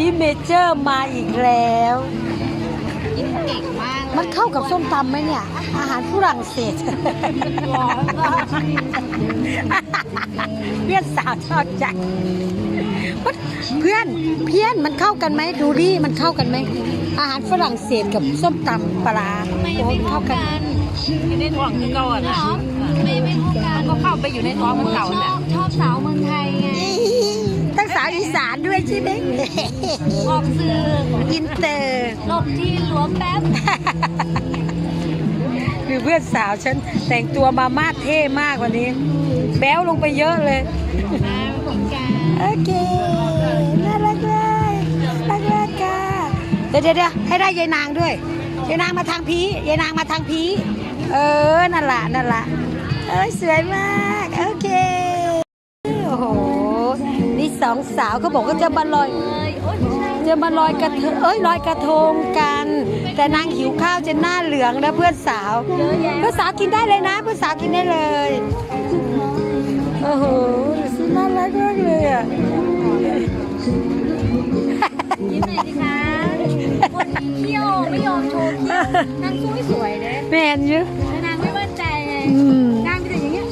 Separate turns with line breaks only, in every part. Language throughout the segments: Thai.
ซิเมเจอร์มาอีกแล้ว
กินเก่งมาก
มันเข้ากับส้มตำไหมเนี่ยอาหารฝรั่งเศสเพื่อนสาวชอบจังเพื่อนมันเข้ากันไหมดูดิมันเข้ากันไหมอาหารฝรั่งเศสกับส้มตำปลา
ไม่เข้ากัน
อยู่ในท้องคือเก่าอ่ะนะ
ไม่เข้ากัน
ก็เข้าไปอยู่ในท้องมันเก่าแหละ
ชอบสาวเมืองไทยไง
ตั้งสาวอีสานด้วยใช่ไหม
ออกสื่อ
อินเตอร์
หลบที่หลวงแป๊บ
คือเพื่อนสาวฉันแต่งตัวมามาเท่มากวันนี้แบ๊วลงไปเยอะเลยโอเคน่ารักเลยน่ารักค่ะเดี๋ยวให้ได้ยายนางด้วยยายนางมาทางพียายนางมาทางพีนั่นละสวยมากโอเคโอ้โหนี่สองสาวเขาบอกว่าจะมาลอยกระทงลอยกระทงกันแต่นางหิวข้าวจนหน้าเหลืองนะเพื่อนสาวกินได้เลยนะเพื่อนสาวกินได้เลยโอ้โหน่ารักมากเลยอ่ะ
ยิ้มหน่อยสิคะคนเที่ยวไม่ยอมโชว์เที่ยวนางสู้ไม่สวยเลย
แมนเยอะ
นางไม่มั่นใจไงนางเป็นอย่างเงี้ย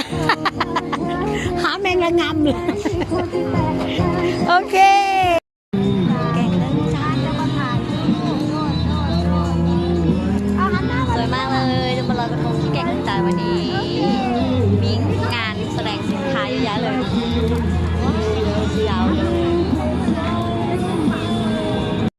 หาแมงระงำเลยโอเค
สวยมากเลยจะมาลอยกระทงที่แก่งกระจานวันนี้มีงานแสดงสินค้าเยอะแยะเลยยาวเลย